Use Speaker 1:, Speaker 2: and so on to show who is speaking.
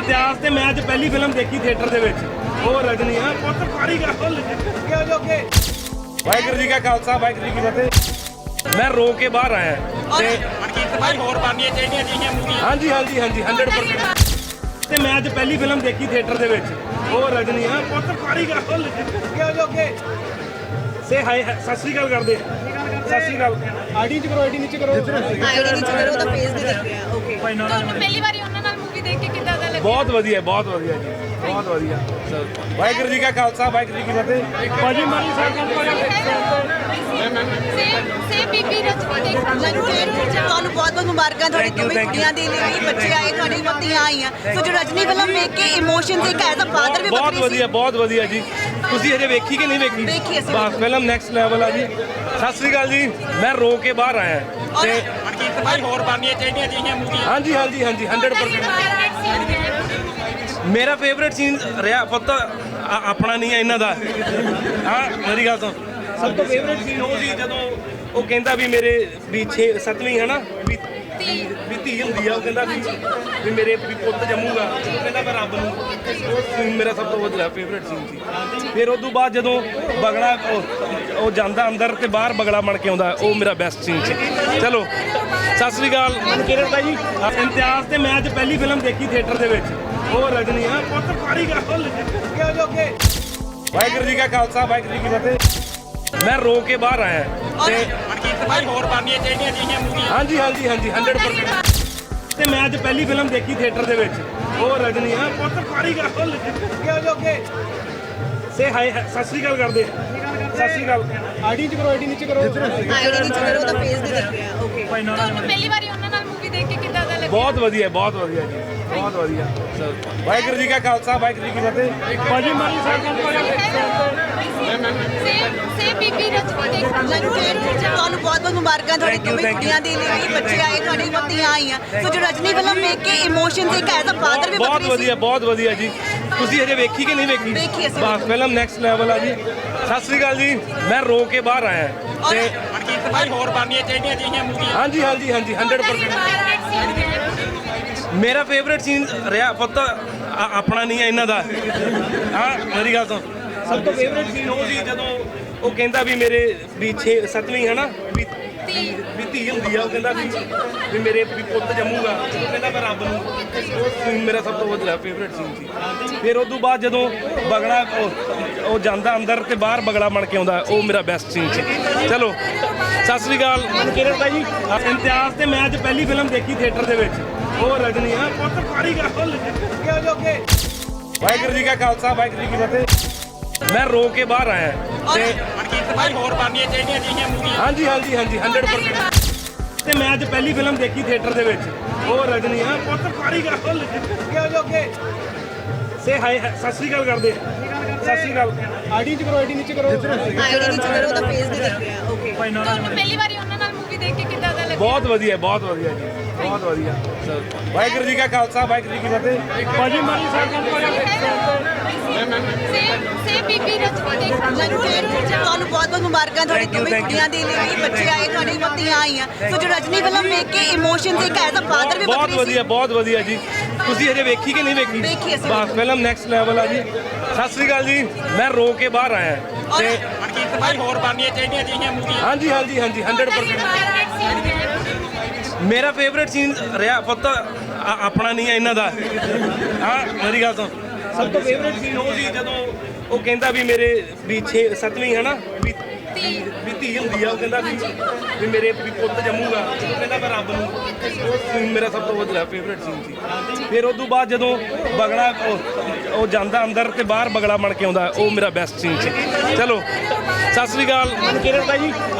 Speaker 1: ਇਮਤਿਆਜ਼ ਤੇ ਮੈਂ ਅੱਜ ਪਹਿਲੀ ਫਿਲਮ ਦੇਖੀ ਥੀਏਟਰ ਦੇ ਵਿੱਚ, ਉਹ ਰਜਨੀ ਆ ਪੁੱਤ ਪਾਰੀ ਗੱਲ ਕਿਉਂ ਜੋਗੇ। ਵਾਹਿਗੁਰੂ ਜੀ ਕਾ ਖਾਲਸਾ ਵਾਹਿਗੁਰੂ ਜੀ ਕੀ ਫਤਿਹ। ਮੈਂ ਰੋ ਕੇ ਬਾਹਰ ਆਇਆ ਤੇ
Speaker 2: ਮਨਕੀਰਤ ਭਾਈ ਹੋਰ ਬਣਨੀਆਂ ਚਾਹੀਦੀਆਂ ਜਿਹੜੀਆਂ ਮੂਵੀਆਂ।
Speaker 1: ਹਾਂਜੀ 100%। ਤੇ ਮੈਂ ਅੱਜ ਪਹਿਲੀ ਫਿਲਮ ਦੇਖੀ ਥੀਏਟਰ ਦੇ ਵਿੱਚ, ਉਹ ਰਜਨੀ ਆ ਪੁੱਤ ਪਾਰੀ ਗੱਲ ਕਿਉਂ ਜੋਗੇ। ਸੇ ਹਾਈ ਸਤਿ ਸ਼੍ਰੀ ਅਕਾਲ ਕਰਦੇ, ਸਤਿ ਸ਼੍ਰੀ ਅਕਾਲ। ਆਈਡੀ ਚ ਕਰੋ, ਆਈਡੀ ਨੀਚੇ ਕਰੋ,
Speaker 3: ਆਈਡੀ ਨੀਚੇ ਕਰੋ, ਉਹਦਾ ਫੇਸ ਵੀ ਦਿਖ ਰਿਹਾ। ਓਕੇ,
Speaker 4: ਤੁਹਾਨੂੰ ਪਹਿਲੀ ਵਾਰੀ ਉਹਨਾਂ ਨਾਲ ਮੂਵੀ ਦੇਖ ਕੇ ਕਿੱਦਾਂ ਦਾ ਲੱਗਿਆ?
Speaker 1: ਬਹੁਤ ਵਧੀਆ ਜੀ, ਬਹੁਤ ਵਧੀਆ। ਵਾਹਿਗੁਰੂ ਜੀ ਕਾ ਖਾਲਸਾ ਵਾਹਿਗੁਰੂ ਜੀ ਕੀ ਫਤਿਹ। ਭਾਜੀ ਮਾਲੀ ਸਾਹਿਬ
Speaker 4: ਸੇ ਬੀਬੀ ਰਜਨੀ ਦੇਖ
Speaker 3: ਤੁਹਾਨੂੰ ਬਹੁਤ ਬਹੁਤ ਮੁਬਾਰਕਾਂ ਤੁਹਾਡੀ ਦੋਵੇਂ ਕੁੜੀਆਂ ਦੇ ਲਈ, ਬੱਚੇ ਆਏ, ਤੁਹਾਡੀ ਪਤਨੀਆਂ ਆਈਆਂ। ਸੋ ਜੋ ਰਜਨੀ ਫਿਲਮ ਵੇਖ ਕੇ ਇਮੋਸ਼ਨਸ ਇੱਕ ਐਜ਼ ਅ ਫਾਦਰ ਵੀ
Speaker 1: ਬਹੁਤ ਵਧੀਆ ਜੀ। ਤੁਸੀਂ ਹਜੇ ਵੇਖੀ ਕਿ ਨਹੀਂ ਵੇਖੀ?
Speaker 3: ਵੇਖੀ ਅਸੀਂ।
Speaker 1: ਬਸ ਫਿਲਮ ਨੈਕਸਟ ਲੈਵਲ ਆ ਜੀ। ਸਤਿ ਸ਼੍ਰੀ ਅਕਾਲ ਜੀ। ਮੈਂ ਰੋ ਕੇ ਬਾਹਰ ਆਇਆ ਤੇ
Speaker 2: ਮਨਕੀਰਤ ਭਾਈ ਹੋਰ ਬਣਨੀਆਂ ਚਾਹੀਦੀਆਂ ਜਿਹੜੀਆਂ ਮੂਵੀਆਂ।
Speaker 1: ਹਾਂਜੀ 100%। ਮੇਰਾ ਫੇਵਰੇਟ ਸੀਨ ਰਿਹਾ ਪੁੱਤ ਆਪਣਾ ਨਹੀਂ ਹੈ ਇਹਨਾਂ ਦਾ। ਹਾਂ ਮੇਰੀ ਗੱਲ ਤੋਂ ਸਭ ਤੋਂ ਫੇਵਰੇਟ ਸੀਨ ਉਹ ਸੀ ਜਦੋਂ ਉਹ ਕਹਿੰਦਾ ਵੀ ਮੇਰੇ ਵੀ 7ਵੀਂ ਹੈ ਨਾ ਵੀ ਧੀ ਹੁੰਦੀ ਆ। ਉਹ ਕਹਿੰਦਾ ਵੀ ਮੇਰੇ ਵੀ ਪੁੱਤ ਜੰਮੂਗਾ। ਉਹ ਕਹਿੰਦਾ ਮੈਂ ਰੱਬ ਨੂੰ। ਉਹ ਸੀਨ ਮੇਰਾ ਸਭ ਤੋਂ ਵਧੀਆ ਫੇਵਰੇਟ ਸੀਨ ਸੀ। ਫਿਰ ਉਸ ਤੋਂ ਬਾਅਦ ਜਦੋਂ ਬਗਲਾ ਉਹ ਜਾਂਦਾ ਅੰਦਰ ਤੇ ਬਾਹਰ ਬਗਲਾ ਬਣ ਕੇ ਆਉਂਦਾ, ਉਹ ਮੇਰਾ ਬੈਸਟ ਸੀਨ ਸੀ। ਚਲੋ ਸਤਿ ਸ਼੍ਰੀ ਅਕਾਲ ਮਨਕੀਰਤ ਭਾਈ ਜੀ। ਇਮਤਿਆਜ਼ ਤੇ ਮੈਂ ਅੱਜ ਪਹਿਲੀ ਫਿਲਮ ਦੇਖੀ ਥੀਏਟਰ ਦੇ ਵਿੱਚ, ਉਹ ਰਜਨੀ ਆ ਪੁੱਤ ਪਾਰੀ ਗੱਲ ਕਿਉਂ ਜੋਗੇ। ਵਾਹਿਗੁਰੂ ਜੀ ਕਾ ਖਾਲਸਾ ਵਾਹਿਗੁਰੂ ਜੀ ਕੀ ਫਤਿਹ। ਮੈਂ ਰੋ ਕੇ ਬਾਹਰ ਆਇਆ ਤੇ
Speaker 2: ਮਨਕੀਰਤ ਭਾਈ ਹੋਰ ਬਣਨੀਆਂ ਚਾਹੀਦੀਆਂ ਜਿਹੜੀਆਂ ਮੂਵੀਆਂ।
Speaker 1: ਹਾਂਜੀ 100%। ਤੇ ਮੈਂ ਅੱਜ ਪਹਿਲੀ ਫਿਲਮ ਦੇਖੀ ਥੀਏਟਰ ਦੇ ਵਿੱਚ, ਉਹ ਰਜਨੀ ਆ ਪੁੱਤ ਪਾਰੀ ਗੱਲ ਕਿਉਂ ਜੋਗੇ। ਸੇ ਹਾਈ ਸਤਿ ਸ਼੍ਰੀ ਅਕਾਲ ਕਰਦੇ, ਸਤਿ ਸ਼੍ਰੀ ਅਕਾਲ। ਆਈਡੀ ਚ ਕਰੋ, ਆਈਡੀ ਨੀਚੇ ਕਰੋ,
Speaker 3: ਆਈਡੀ ਨੀਚੇ ਕਰੋ, ਉਹਦਾ ਫੇਸ ਵੀ ਦਿਖ ਰਿਹਾ। ਓਕੇ,
Speaker 4: ਤੁਹਾਨੂੰ ਪਹਿਲੀ ਵਾਰੀ ਉਹਨਾਂ ਨਾਲ ਮੂਵੀ ਦੇਖ ਕੇ ਕਿੱਦਾਂ ਦਾ ਲੱਗਿਆ?
Speaker 1: ਬਹੁਤ ਵਧੀਆ ਜੀ, ਬਹੁਤ ਵਧੀਆ। ਵਾਹਿਗੁਰੂ ਜੀ ਕਾ ਖਾਲਸਾ ਵਾਹਿਗੁਰੂ ਜੀ ਕੀ ਫਤਿਹ। ਭਾਜੀ ਮਾਲੀ ਸਾਹਿਬ
Speaker 4: ਸੇ ਬੀਬੀ ਰਜਨੀ ਦੇਖ
Speaker 3: ਤੁਹਾਨੂੰ ਬਹੁਤ ਬਹੁਤ ਮੁਬਾਰਕਾਂ ਤੁਹਾਡੀ ਦੋਵੇਂ ਕੁੜੀਆਂ ਦੇ ਲਈ, ਬੱਚੇ ਆਏ, ਤੁਹਾਡੀ ਪਤਨੀਆਂ ਆਈਆਂ। ਸੋ ਜੋ ਰਜਨੀ ਫਿਲਮ ਵੇਖ ਕੇ ਇਮੋਸ਼ਨਸ ਇੱਕ ਐਜ਼ ਅ ਫਾਦਰ ਵੀ
Speaker 1: ਬਹੁਤ ਵਧੀਆ ਜੀ। ਤੁਸੀਂ ਹਜੇ ਵੇਖੀ ਕਿ ਨਹੀਂ ਵੇਖੀ?
Speaker 3: ਵੇਖੀ ਅਸੀਂ।
Speaker 1: ਬਸ ਫਿਲਮ ਨੈਕਸਟ ਲੈਵਲ ਆ ਜੀ। ਸਤਿ ਸ਼੍ਰੀ ਅਕਾਲ ਜੀ। ਮੈਂ ਰੋ ਕੇ ਬਾਹਰ ਆਇਆ ਤੇ
Speaker 2: ਮਨਕੀਰਤ ਭਾਈ ਹੋਰ ਬਣਨੀਆਂ ਚਾਹੀਦੀਆਂ ਜਿਹੜੀਆਂ ਮੂਵੀਆਂ।
Speaker 1: ਹਾਂਜੀ 100%। ਮੇਰਾ ਫੇਵਰੇਟ ਸੀਨ ਰਿਹਾ ਪੁੱਤ ਆਪਣਾ ਨਹੀਂ ਹੈ ਇਹਨਾਂ ਦਾ। ਹਾਂ ਮੇਰੀ ਗੱਲ ਤੋਂ ਸਭ ਤੋਂ ਫੇਵਰੇਟ ਸੀਨ ਉਹ ਸੀ ਜਦੋਂ ਉਹ ਕਹਿੰਦਾ ਵੀ ਮੇਰੇ ਵੀ 7ਵੀਂ ਹੈ ਨਾ ਵੀ ਧੀ ਹੁੰਦੀ ਆ। ਉਹ ਕਹਿੰਦਾ ਵੀ ਮੇਰੇ ਵੀ ਪੁੱਤ ਜੰਮੂਗਾ। ਉਹ ਕਹਿੰਦਾ ਮੈਂ ਰੱਬ ਨੂੰ। ਉਹ ਸੀਨ ਮੇਰਾ ਸਭ ਤੋਂ ਵਧੀਆ ਫੇਵਰੇਟ ਸੀਨ ਸੀ। ਫਿਰ ਉਸ ਤੋਂ ਬਾਅਦ ਜਦੋਂ ਬਗਲਾ ਉਹ ਜਾਂਦਾ ਅੰਦਰ ਤੇ ਬਾਹਰ ਬਗਲਾ ਬਣ ਕੇ ਆਉਂਦਾ, ਉਹ ਮੇਰਾ ਬੈਸਟ ਸੀਨ ਸੀ। ਚਲੋ ਸਤਿ ਸ਼੍ਰੀ ਅਕਾਲ ਮਨਕੀਰਤ ਭਾਈ ਜੀ। ਇਮਤਿਆਜ਼ ਤੇ ਮੈਂ ਅੱਜ ਪਹਿਲੀ ਫਿਲਮ ਦੇਖੀ ਥੀਏਟਰ ਦੇ ਵਿੱਚ, ਉਹ ਰਜਨੀ ਆ ਪੁੱਤ ਪਾਰੀ ਗੱਲ ਕਿਉਂ ਜੋਗੇ। ਵਾਹਿਗੁਰੂ ਜੀ ਕਾ ਖਾਲਸਾ ਵਾਹਿਗੁਰੂ ਜੀ ਕੀ ਫਤਿਹ। ਮੈਂ ਰੋ ਕੇ ਬਾਹਰ ਆਇਆ ਤੇ
Speaker 2: ਮਨਕੀਰਤ ਭਾਈ ਹੋਰ ਬਣਨੀਆਂ ਚਾਹੀਦੀਆਂ ਜਿਹੜੀਆਂ ਮੂਵੀਆਂ।
Speaker 1: ਹਾਂਜੀ 100%। ਤੇ ਮੈਂ ਅੱਜ ਪਹਿਲੀ ਫਿਲਮ ਦੇਖੀ ਥੀਏਟਰ ਦੇ ਵਿੱਚ, ਉਹ ਰਜਨੀ ਆ ਪੁੱਤ ਪਾਰੀ ਗੱਲ ਕਿਉਂ ਜੋਗੇ। ਸੇ ਹਾਈ ਸਤਿ ਸ਼੍ਰੀ ਅਕਾਲ ਕਰਦੇ, ਸਤਿ ਸ਼੍ਰੀ ਅਕਾਲ। ਆਈਡੀ ਚ ਕਰੋ, ਆਈਡੀ ਨੀਚੇ ਕਰੋ,
Speaker 3: ਆਈਡੀ ਨੀਚੇ ਕਰੋ, ਉਹਦਾ ਫੇਸ ਵੀ ਦਿਖ ਰਿਹਾ। ਓਕੇ,
Speaker 4: ਤੁਹਾਨੂੰ ਪਹਿਲੀ ਵਾਰੀ ਉਹਨਾਂ ਨਾਲ ਮੂਵੀ ਦੇਖ ਕੇ ਕਿੱਦਾਂ ਦਾ ਲੱਗਿਆ?
Speaker 1: ਬਹੁਤ ਵਧੀਆ ਜੀ, ਬਹੁਤ ਵਧੀਆ। ਵਾਹਿਗੁਰੂ ਜੀ ਕਾ ਖਾਲਸਾ ਵਾਹਿਗੁਰੂ ਜੀ ਕੀ ਫਤਿਹ। ਭਾਜੀ ਮਾਲੀ ਸਾਹਿਬ
Speaker 4: ਸੇ ਬੀਬੀ ਰਜਨੀ ਦੇਖ
Speaker 3: ਤੁਹਾਨੂੰ ਬਹੁਤ ਬਹੁਤ ਮੁਬਾਰਕਾਂ ਤੁਹਾਡੀ ਦੋਵੇਂ ਕੁੜੀਆਂ ਦੇ ਲਈ, ਬੱਚੇ ਆਏ, ਤੁਹਾਡੀ ਪਤਨੀਆਂ ਆਈਆਂ। ਸੋ ਜੋ ਰਜਨੀ ਫਿਲਮ ਵੇਖ ਕੇ ਇਮੋਸ਼ਨਸ ਇੱਕ ਐਜ਼ ਅ ਫਾਦਰ ਵੀ
Speaker 1: ਬਹੁਤ ਵਧੀਆ ਜੀ। ਤੁਸੀਂ ਹਜੇ ਵੇਖੀ ਕਿ ਨਹੀਂ ਵੇਖੀ?
Speaker 3: ਵੇਖੀ ਅਸੀਂ।
Speaker 1: ਬਸ ਫਿਲਮ ਨੈਕਸਟ ਲੈਵਲ ਆ ਜੀ। ਸਤਿ ਸ਼੍ਰੀ ਅਕਾਲ ਜੀ। ਮੈਂ ਰੋ ਕੇ ਬਾਹਰ ਆਇਆ ਤੇ
Speaker 2: ਮਨਕੀਰਤ ਭਾਈ ਹੋਰ ਬਣਨੀਆਂ ਚਾਹੀਦੀਆਂ ਜਿਹੜੀਆਂ ਮੂਵੀਆਂ।
Speaker 1: ਹਾਂਜੀ 100%। ਮੇਰਾ ਫੇਵਰੇਟ ਸੀਨ ਰਿਹਾ ਪੁੱਤ ਆਪਣਾ ਨਹੀਂ ਹੈ ਇਹਨਾਂ ਦਾ। ਹਾਂ ਮੇਰੀ ਗੱਲ ਤੋਂ ਸਭ ਤੋਂ ਫੇਵਰੇਟ ਸੀਨ ਉਹ ਸੀ ਜਦੋਂ ਉਹ ਕਹਿੰਦਾ ਵੀ ਮੇਰੇ ਵੀ 7ਵੀਂ ਹੈ ਨਾ ਵੀ ਧੀ ਹੁੰਦੀ ਆ। ਉਹ ਕਹਿੰਦਾ ਵੀ ਮੇਰੇ ਵੀ ਪੁੱਤ ਜੰਮੂਗਾ। ਉਹ ਕਹਿੰਦਾ ਮੈਂ ਰੱਬ ਨੂੰ। ਉਹ ਸੀਨ ਮੇਰਾ ਸਭ ਤੋਂ ਵਧੀਆ ਫੇਵਰੇਟ ਸੀਨ ਸੀ। ਫਿਰ ਉਸ ਤੋਂ ਬਾਅਦ ਜਦੋਂ ਬਗਲਾ ਉਹ ਜਾਂਦਾ ਅੰਦਰ ਤੇ ਬਾਹਰ ਬਗਲਾ ਬਣ ਕੇ ਆਉਂਦਾ, ਉਹ ਮੇਰਾ ਬੈਸਟ ਸੀਨ ਸੀ। ਚਲੋ ਸਤਿ ਸ਼੍ਰੀ ਅਕਾਲ ਮਨਕੀਰਤ ਭਾਈ ਜੀ।